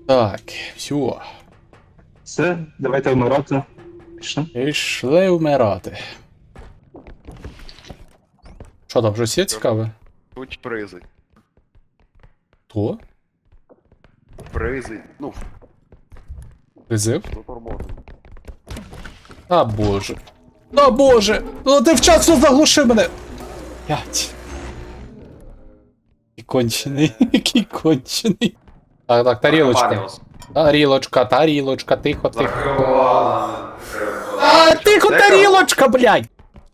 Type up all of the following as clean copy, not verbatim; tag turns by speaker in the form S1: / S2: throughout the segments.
S1: Так, все.
S2: Все, давайте вмирати. Пішли.
S1: Пішли вмирати. Що там, вже все цікаве?
S3: Тут призи.
S1: То?
S3: Призи. Ну,
S1: Призив?
S3: заторможені.
S1: А боже. А боже! Ну ти вчасно заглушив мене! П'ять. Який кончений, який кончений. Так, тарілочка. Тарілочка, тихо, тихо. А, тихо, тарілочка, блядь!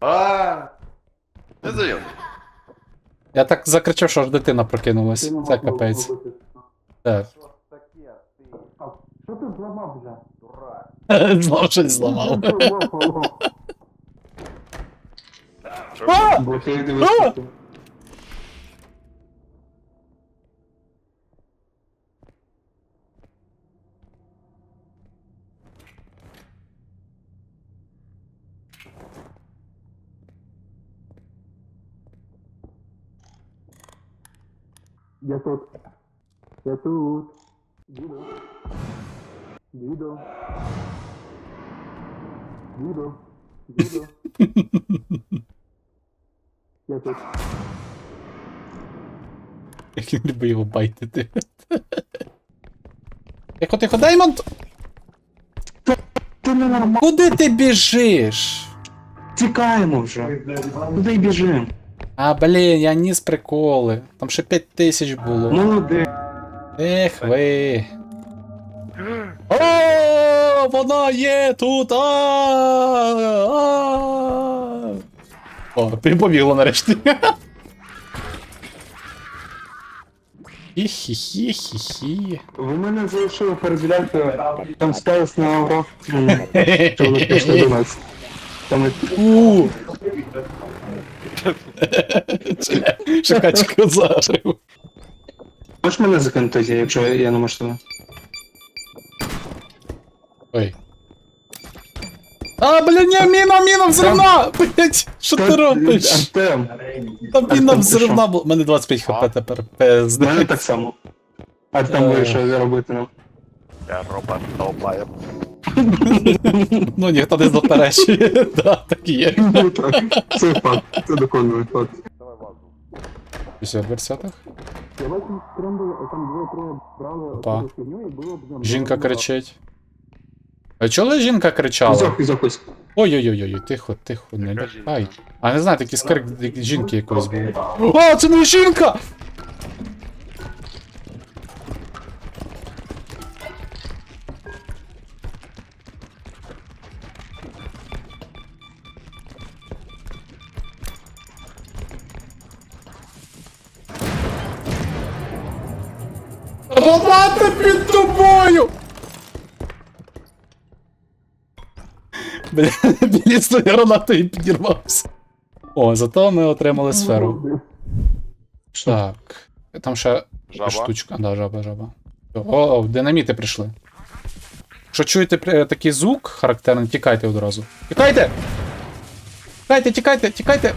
S3: Не зайом.
S1: Я так закричав, що аж дитина прокинулась. Це капець. Так.
S2: Що ти зламав вже?
S1: Знов щось зламав.
S2: Бо ти дивишся. Я тут. Я тут. Дідо. Дідо. Дідо. Дідо. Я тут.
S1: Як він любить його байтити. Тихо, Даймонд!
S2: Ти не нормально.
S1: Куди ти біжиш?
S2: Тікаємо вже. Куди й біжимо?
S1: А, блін, я ніс приколи. Там ще 5000 було.
S2: Молодець.
S1: Ех ви. О, вона є тут. О, ти побігла нарешті. Хі-хі-хі-хі-хі.
S2: Ви мене залишили перевіряти. Там сталося на урок. Що ви пішли до нас. Там
S1: Шукачку зажив.
S2: можеш мене закинути, якщо я не можу тебе?
S1: Ой. А, блін, ні, міна, взривна! Блять, що ти робиш?
S2: Артем.
S1: Там міна
S2: Артем,
S1: взривна була. У мене 25 хп тепер. Пизди.
S2: У мене так само. Артем вирішив робити нам.
S3: Я робот долбаю.
S1: Ну, ніхто не заперечує. Да, так і є.
S2: Ну так, це факт, це доконаний факт.
S3: Давай вазу.
S1: Все, в версятах.
S2: Я бачу, там двоє-троє брали
S1: Опа.
S2: оцю фігню і було б...
S1: Жінка кричить. А чого жінка кричала?
S2: Ізок.
S1: Ой-ой-ой, тихо, не
S3: Яка
S1: лякай.
S3: жінка?
S1: А не знаю, такий скрик жінки якоїсь був. О, це не жінка! Робати під тобою! Бля, білісною гранатою підірвався. О, зато ми отримали сферу. Так. Там ще
S3: Жаба.
S1: штучка. Да, жаба. О, динаміти прийшли. Якщо чуєте такий звук характерний, тікайте одразу. Тікайте! Тікайте!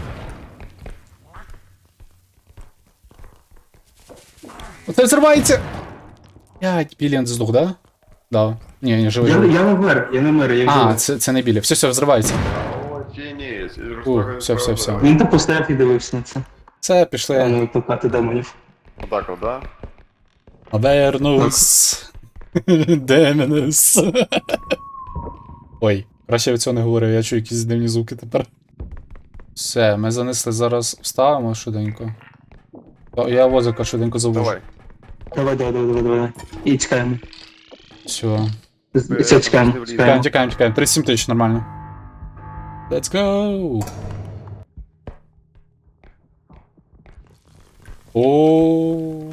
S1: Оце взривається! 5 білін здох, да? Да. Ні, живий.
S2: Я не мер, я
S1: А,
S2: живий.
S1: це не білі. Все, взривається.
S3: Тінець.
S1: Все.
S2: Він так постояв і дивився на це.
S1: Це пішли.
S2: Не викликати демонів.
S3: Отак от, да?
S1: Авернус. Деменус. Ой, краще я цього не говорив, я чую якісь дивні звуки тепер. Все, ми занесли, зараз вставимо швиденько. Я возика швиденько завожу.
S3: Давай.
S2: Давай. І тікаємо.
S1: Все.
S2: Все, тікаємо.
S1: Тікаємо. 37 тисяч, нормально. Let's go! О.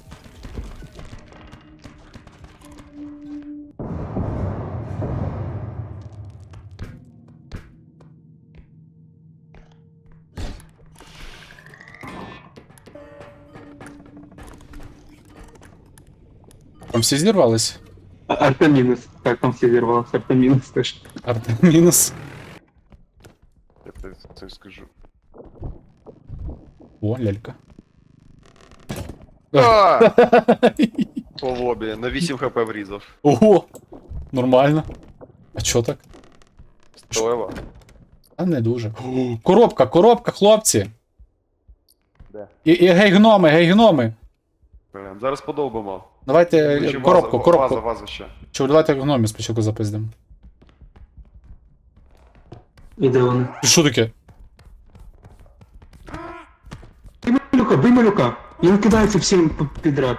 S1: Там всі зірвались?
S2: Артем мінус. Так, там всі зірвалося. Артем мінус теж.
S1: Артем мінус.
S3: Я тобі це скажу.
S1: О, лялька.
S3: А! по лобі, на 8 хп врізав.
S1: Ого! Нормально. А чо так?
S3: Стойло.
S1: А не дуже. О, коробка, коробка, хлопці!
S3: Де?
S1: І гей гноми!
S3: Блін, зараз подовбимо.
S1: Давайте
S3: Чи
S1: коробку,
S3: ваза,
S1: коробку.
S3: Ваза ще.
S1: Чого, давайте гномів спочатку запиздимо.
S2: І де вони?
S1: Що таке?
S2: Бий малюка! Він кидається всім підряд.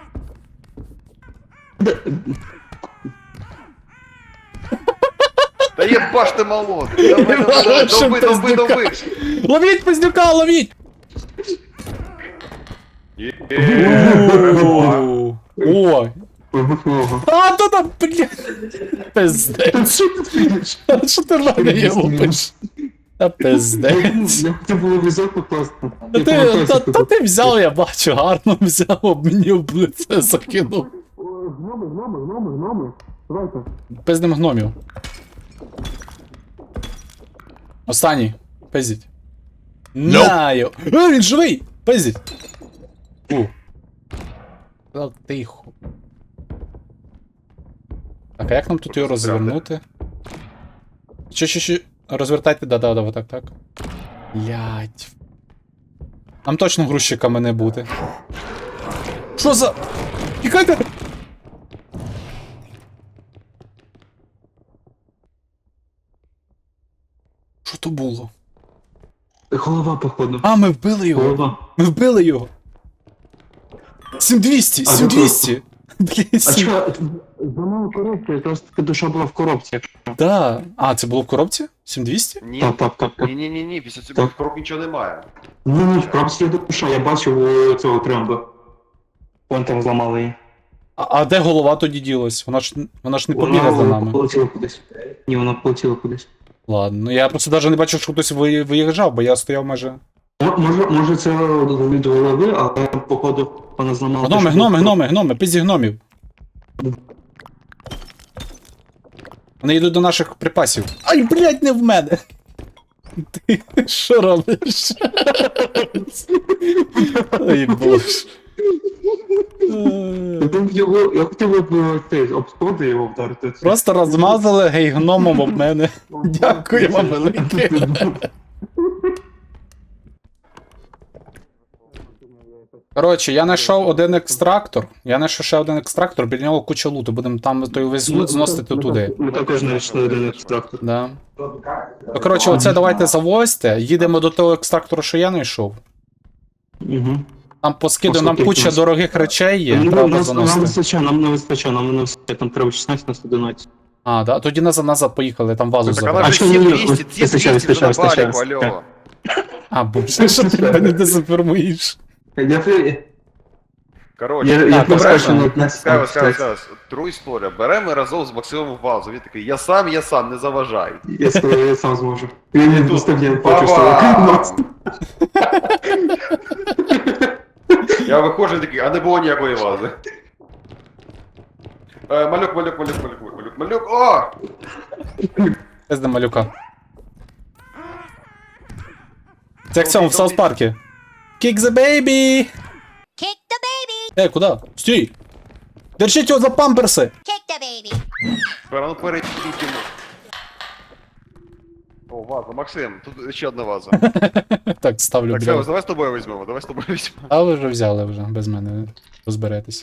S3: Та єбаш ти молод! Давай, довби!
S1: Ловіть пиздюка, ловіть! О!
S2: Вибухного.
S1: А, то там, блядь! Пиздець.
S2: Що ти фігиш?
S1: Що ти в мене є лупиш? Та пиздець.
S2: Я хотів було візок покласти.
S1: Та ти взяв, я бачу, гарно взяв, об мені в лице закинув.
S2: Гноми. Давайте.
S1: Пиздим гномів. Останній. Пиздіть. Наю. Він живий! Пиздіть. Та тихо. Так, а як нам тут його розвернути? Чи. Розвертайте, да, так. Блять. Нам точно грузчиками не бути. Що за... Тікайте! Що то було?
S2: Голова, походу.
S1: А, ми вбили його!
S2: Голова.
S1: Ми вбили його! 7200! 7200! Блін,
S2: А
S1: 7...
S2: чого? За мною коробка, якраз таки душа була в коробці, якщо.
S1: Да. А, це було в коробці? 7200?
S3: Ні,
S2: Так.
S3: ні, після цього в коробці нічого немає.
S2: Ні, в коробці є душа, я бачив у цього Кремба. Вон там зламали її.
S1: А де голова тоді ділась? Вона ж не побігла за нами.
S2: полетіла кудись. Ні, вона полетіла кудись.
S1: Ладно, ну я просто навіть не бачив, що хтось виїжджав, бо я стояв майже.
S2: Може це від голови, але походу вона зламала.
S1: Гноми, пизді гномів. Вони йдуть до наших припасів. Ай, блядь, не в мене! Ти що робиш? Ой, боже.
S2: Я хотів би обсходи його вдарити.
S1: Просто розмазали гей гномом об мене. Дякую вам велике. Коротше, я знайшов один екстрактор. Я знайшов ще один екстрактор, біля нього куча луту. Будемо там той весь лут зносити туди.
S2: Ми також знайшли один екстрактор.
S1: Да. Ну, коротше, оце давайте завозьте. Їдемо до того екстрактора, що я знайшов.
S2: Угу.
S1: Там поскидаю, нам куча дорогих речей є, треба
S2: Нам
S1: заносити.
S2: вистачає, нам не вистачає, там треба 16 на 111.
S1: А, да? Тоді назад поїхали, там вазу
S3: Так вона
S1: забрали.
S3: ж
S2: що, ні,
S3: 7200,
S2: вистачає,
S3: 7200 вже на
S2: вистачає,
S3: баліку, алло.
S1: А, боже, що ти мене дезінформуєш?
S3: Коротше,
S2: Я
S1: добре,
S2: проскочив на
S1: добре.
S2: 15.
S3: Скажу. Тру історія. Беремо разом з Максимом вазу. Він такий, я сам, не заважай.
S2: Я сказав, я сам зможу. Він не пустив, я бачу,
S3: Бабам!
S2: що
S3: Я виходжу такий, а не було ніякої вази. Малюк, о!
S1: Пизди малюка. Це як в цьому, в Саус Парку. Kick the baby!
S4: Kick the baby!
S1: Куди? Стій! Держіть його за памперси!
S4: Kick the baby!
S3: Ну перейдіть йому. О, ваза, Максим, тут ще одна ваза.
S1: Так, ставлю,
S3: Так,
S1: бля.
S3: давай з тобою візьмемо,
S1: А ви вже взяли вже, без мене розберетесь.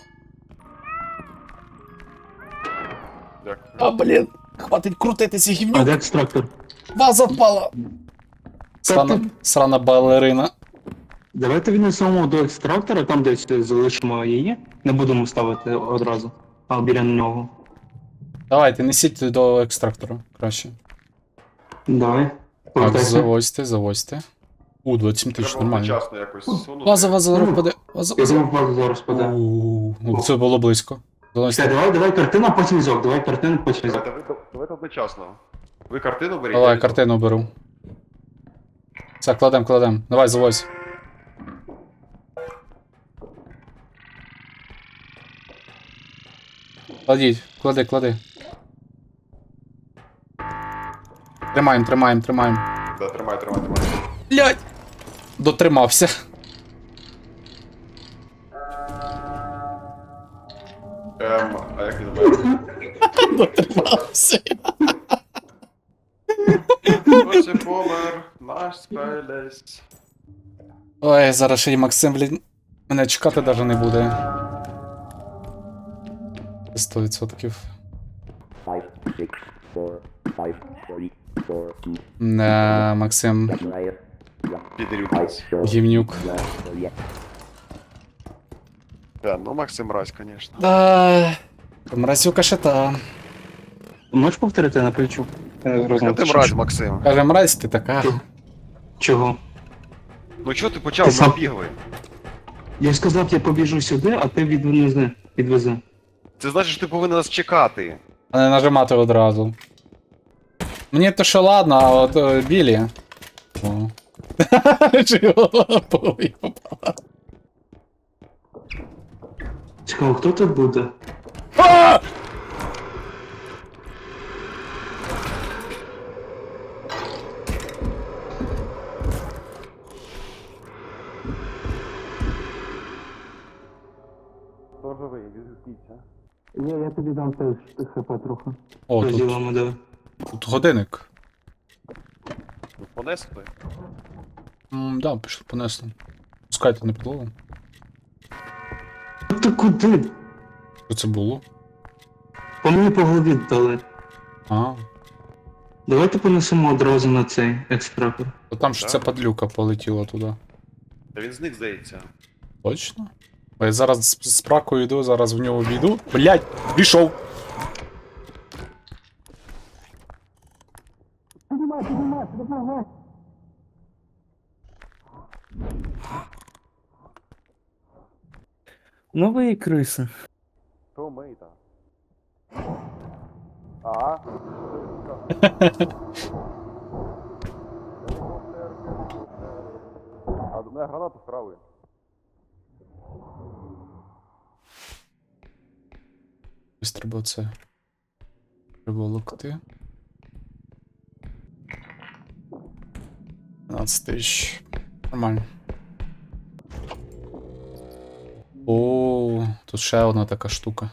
S3: Дякую.
S1: А, блін, хватить крутитися,
S2: А
S1: гівнюк.
S2: де екстрактор?
S1: Ваза впала! Срана балерина.
S2: Давайте віднесемо до екстрактора, там десь залишимо її. Не будемо ставити одразу, а біля нього.
S1: Давайте, несіть до екстрактора, краще.
S2: Давай.
S1: Так,
S2: Повертайся.
S1: завозьте. 27 тисяч,
S3: Треба
S1: нормально.
S3: одночасно якось сунути.
S1: Ваза, зараз впаде. Ваза.
S2: Я думав, базу зараз паде.
S1: Ну, це було близько.
S2: Все, давай картина, потім візок. Давай картину, потім візок.
S3: Давайте одночасно. Ви картину беріть?
S1: Давай, картину беру. Все, кладем. Давай, завозь. Кладіть, клади. Тримаємо.
S3: Да, тримай.
S1: Блять! Дотримався.
S3: А як він має?
S1: Дотримався.
S3: Ось і помер, наш спелесь.
S1: Ой, зараз ще й Максим, блін, мене чекати навіть не буде. 100%.
S5: 5, 6, 4, 5, 3, 4, 2,
S1: Не, Максим,
S5: Ryan,
S3: Підрюк.
S5: 5, 4,
S1: гівнюк.
S5: yeah.
S3: Да, ну Максим Разь, конечно.
S1: Да, мразюка ще та.
S2: Можеш повторити на плечу?
S3: А ти мразь, Максим.
S1: Каже, мразь ти така.
S2: Чого?
S3: Ну чого ти почав
S2: Ти сам-
S3: набігли?
S2: Я сказав, я побіжу сюди, а ти відвези.
S3: Це значить, що ти повинен нас чекати.
S1: А не нажимати одразу. Мені то що ладно, а от Білі. О. Чи його лапою попала?
S2: Цікаво, хто тут буде?
S1: А!
S3: Хто живий, відгукніться.
S2: Я тобі дам теж хп трохи.
S1: О, тут,
S2: Розділимо, давай.
S1: тут годинник.
S3: Понесли?
S1: Да, пішли понесли. Пускайте на підлогу.
S2: Ти куди?
S1: Що це було?
S2: По мені по голові дали.
S1: А,
S2: Давайте понесемо одразу на цей екстрактор.
S1: то там ж ця падлюка полетіла туди.
S3: Та він зник, здається.
S1: Точно? Бо я зараз з пракою йду, зараз в нього війду. Блять, пішов!
S2: Ну ви і криси.
S3: Що ми там? А? А до мене гранату вкрали.
S1: Ось треба це приволокти. 15 тисяч. Нормально. О, тут ще одна така штука.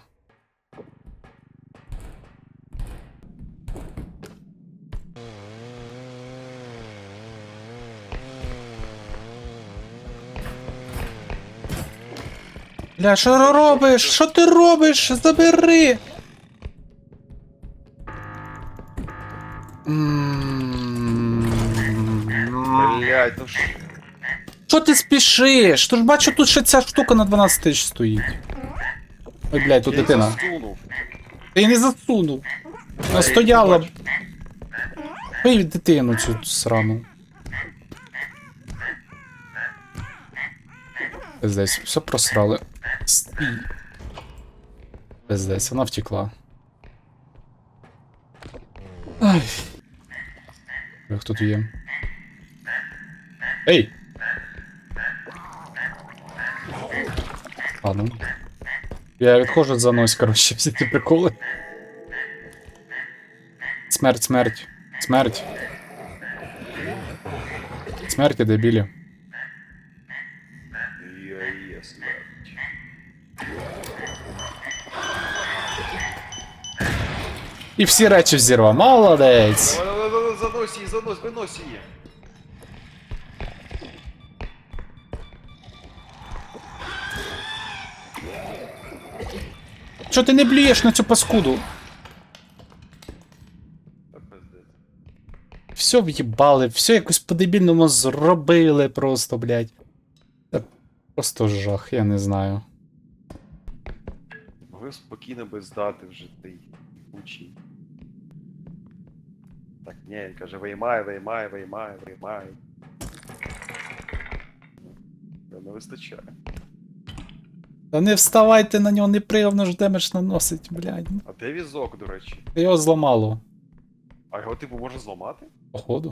S1: Бля, що ти робиш? Що ти робиш? Забери!
S3: Блять, ну ж.
S1: Що ти спішиш? Ти ж бачу, тут ще ця штука на 12 тисяч стоїть. Ой, блядь, тут
S3: Я їх
S1: дитина.
S3: засунув.
S1: Ти її не засунув. Вона стояла.
S3: бачу.
S1: Пий дитину цю срану. Пиздець, все просрали. Стій. Пиздець, вона втекла. Ай. Як тут є? Ей! Ладно. Я відходжу за нось, коротше, всі ці приколи. Смерть, смерть. Смерть. Смерть, дебілі.
S3: Я смерть.
S1: І всі речі взірвав. Молодець!
S3: Занось її, занось, винось її.
S1: Чо ти не блюєш на цю паскуду?
S3: Та пиздець.
S1: Все в'їбали, все якось по-дебільному зробили просто, блядь. Та просто жах, я не знаю.
S3: Могли спокійно би здати вже той учий. Так, ні, він каже, виймай. Не вистачає.
S1: Та не вставайте на нього, неприємно ж демедж наносить, блядь.
S3: А де візок, до речі?
S1: Його зламало,
S3: А його типу можна зламати?
S1: походу.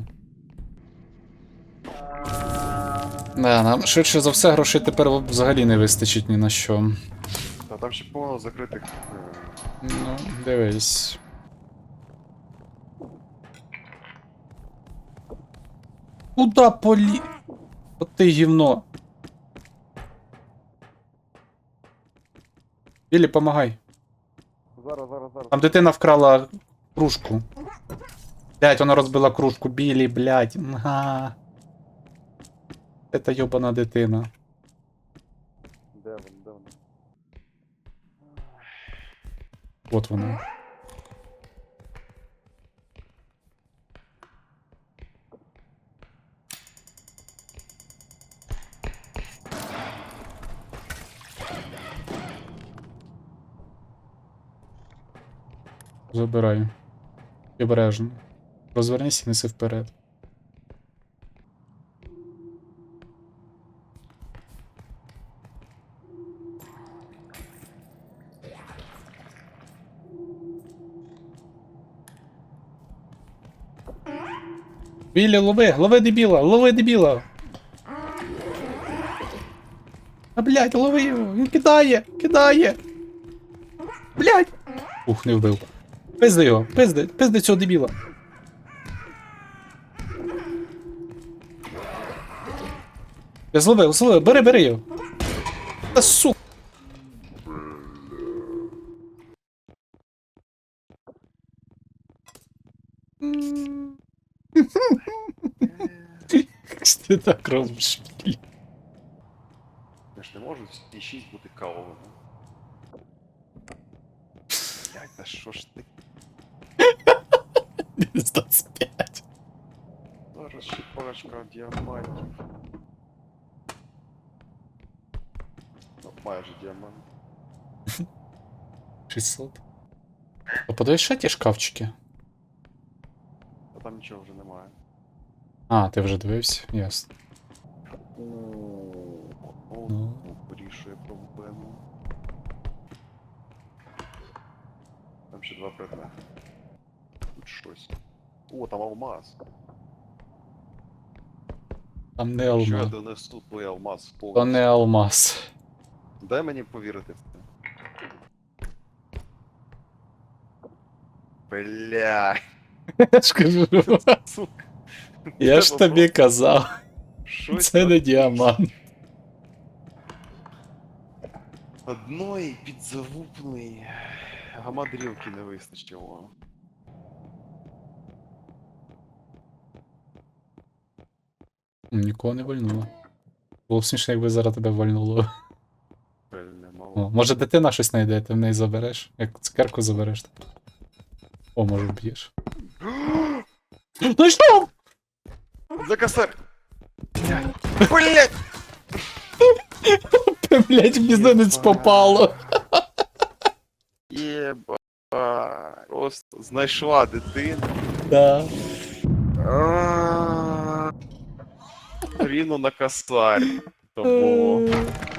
S1: Да, нам швидше за все грошей тепер взагалі не вистачить ні на що.
S3: Та там ще повно закритих.
S1: Ну, дивись. Куда полі... От ти гівно. Білі, помагай.
S3: Зараз.
S1: Там дитина вкрала кружку. Блять, вона розбила кружку. Білі, блять. Ага. Це йобана дитина.
S3: Де вона?
S1: От вона. Забираю. І обережно. Розвернись і неси вперед. Білі, лови дебіла. А, блядь, лови його, він кидає. Блядь. Ух, не вбив. Пизди його, пизди цього дебіла. Я зловив, бери його. Та сука. Що ти так робиш?
S3: Я ж не можу всі 6 бути кавовими. Блядь, та що ж ти?
S1: 25.
S3: Зараз ще парочка діамантів. Ну, майже діамант.
S1: 600. А подивись ще ті шкафчики.
S3: А там нічого вже немає.
S1: А, ти вже дивився? Ясно. Ну.
S3: Вирішує проблему. Там ще 2 предмети. Тут щось. О, там алмаз.
S1: Там не
S3: Що я
S1: алмаз.
S3: донесу той алмаз
S1: То
S3: повністю?
S1: не алмаз.
S3: Дай мені повірити в це. Бля,
S1: Я ж кажу,
S3: сука.
S1: я ж тобі казав,
S3: Щось
S1: це не
S3: там-
S1: діамант.
S3: Одної підзалупної гамадрілки не вистачило.
S1: Нікого не вальнуло. Було б смішно, якби зараз тебе вальнуло.
S3: Пельне мало.
S1: О, може дитина щось знайде, ти в неї забереш? Як цукерку забереш. О, може вб'єш. Ну що?
S3: За косарь! Блять!
S1: Блять, в бізнес попало.
S3: Єба. Просто знайшла дитину.
S1: Да.
S3: Рівно на косарь. То було.